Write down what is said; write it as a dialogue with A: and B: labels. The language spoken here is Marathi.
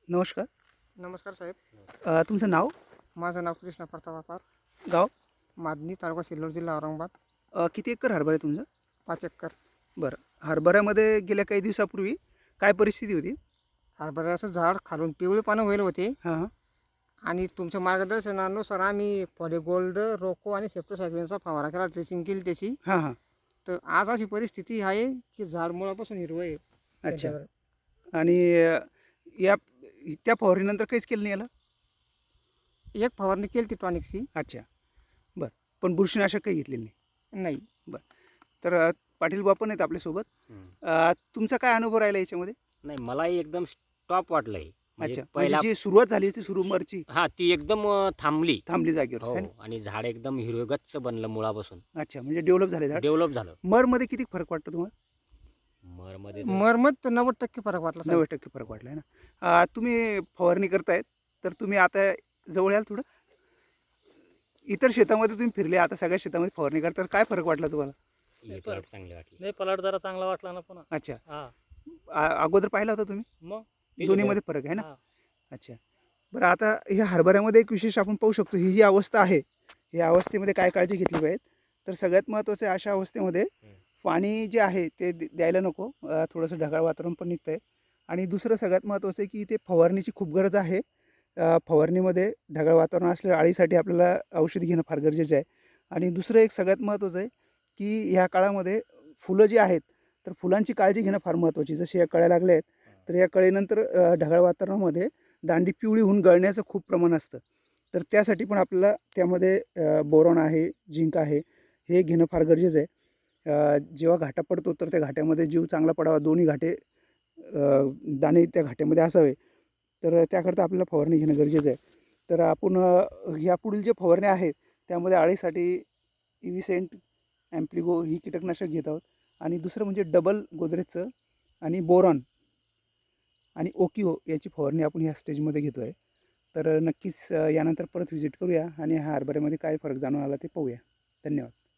A: नमस्कार.
B: नमस्कार साहेब.
A: तुमचं नाव?
B: माझं नाव कृष्णा प्रताप.
A: गाव?
B: मादनी, तालुका सिल्लोड, जिल्हा औरंगाबाद.
A: किती एकर हरभरा आहे तुमचं?
B: 5 एकर.
A: बरं. हरभऱ्यामध्ये गेल्या काही दिवसापूर्वी काय परिस्थिती होती?
B: हरभऱ्याचं झाड खालून पिवळे पानं व्हायला होते
A: हां हां.
B: आणि तुमच्या मार्गदर्शनानुसार आम्ही पॉलीगोल्ड, रोको आणि सेप्टोसायक्लिनचा फवारा केला, ड्रेसिंग केली त्याची.
A: हां हां.
B: तर आज अशी परिस्थिती आहे की झाड मुळापासून हिरवं आहे
A: अच्छा.
B: सध्यावर.
A: आणि या त्या फवारणीनंतर काहीच केलं नाही याला?
B: एक फवारणी केली ती टॉनिकची.
A: अच्छा. बरं. पण बुरशीनाशक काही घेतलेलं नाही?
B: नाही.
A: बरं. तर पाटील बा पण आहेत आपल्यासोबत. तुमचा काय अनुभव राहिला याच्यामध्ये?
C: नाही, मलाही एकदम स्टॉप वाटलंय. म्हणजे
A: अच्छा. म्हणजे
C: पहिला
A: जी सुरुवात झाली होती सुरुमरची
C: ती एकदम थांबली.
A: थांबली जागेवर
C: हो,
A: आहे ना?
C: आणि झाड एकदम हिरवेगच्च बनलं मुळापासून.
A: अच्छा. म्हणजे डेव्हलप झाले झाड.
C: डेव्हलप झालं.
A: मरमध्ये किती फरक वाटतो तुम्हाला?
C: मरमध्ये
B: मरमत 90% फरक वाटला साहेब.
A: 90% फरक वाटला आहे ना. तुम्ही फवारणी करतायत तर तुम्ही आता जवळ याल थोडं. इतर शेतामध्ये तुम्ही फिरले, आता सगळ्या शेतामध्ये फवारणी करता, तर काय फरक वाटला तुम्हाला?
C: हे प्लॉट चांगले वाटले.
D: नाही, पलाट जरा चांगला वाटला ना पुन्हा.
A: अच्छा.
D: हा,
A: अगोदर पाहिला होता तुम्ही?
D: मग
A: दोन्हीमध्ये फरक आहे ना?
D: हा.
A: अच्छा. बरं, आता ह्या हरभऱ्यामध्ये एक विशेष आपण पाहू शकतो, ही जी अवस्था आहे, या अवस्थेमध्ये काय काळजी घेतली पाहिजे? तर सगळ्यात महत्त्वाचं आहे अशा अवस्थेमध्ये पाणी जे आहे ते द्यायला नको. थोडंसं ढगाळ वातावरण पण निघतं आहे. आणि दुसरं सगळ्यात महत्त्वाचं आहे की इथे फवारणीची खूप गरज आहे. फवारणीमध्ये ढगाळ वातावरण असल्यावर अळीसाठी आपल्याला औषध घेणं फार गरजेचं आहे. आणि दुसरं एक सगळ्यात महत्त्वाचं आहे की ह्या काळामध्ये फुलं जी आहेत, तर फुलांची काळजी घेणं फार महत्त्वाची. जसे या कळ्या लागल्या आहेत, तर या कळीनंतर ढगाळ वातावरणामध्ये दांडी पिवळी होऊन गळण्याचं खूप प्रमाण असतं. तर त्यासाठी पण आपल्याला त्यामध्ये बोरॉन आहे, झिंक आहे, हे घेणं फार गरजेचं आहे. जेव्हा घाटा पडतो तर त्या घाट्यामध्ये जीव चांगला पडावा, दोन्ही घाटे दाणे त्या घाट्यामध्ये असावे, तर त्याकरता आपल्याला फवारणी घेणं गरजेचं आहे. तर आपण यापुढील जे फवारण्या आहेत त्यामध्ये अळीसाठी इव्हिसेंट, ॲम्प्लिगो ही कीटकनाशक घेत आहोत. आणि दुसरं म्हणजे डबल गोदरेजचं आणि बोरॉन आणि ओकिओ याची फवारणी आपण ह्या स्टेजमध्ये घेतो आहे. तर नक्कीच यानंतर परत व्हिजिट करूया आणि ह्या हरभऱ्यामध्ये काय फरक जाणून आला ते पाहूया. धन्यवाद.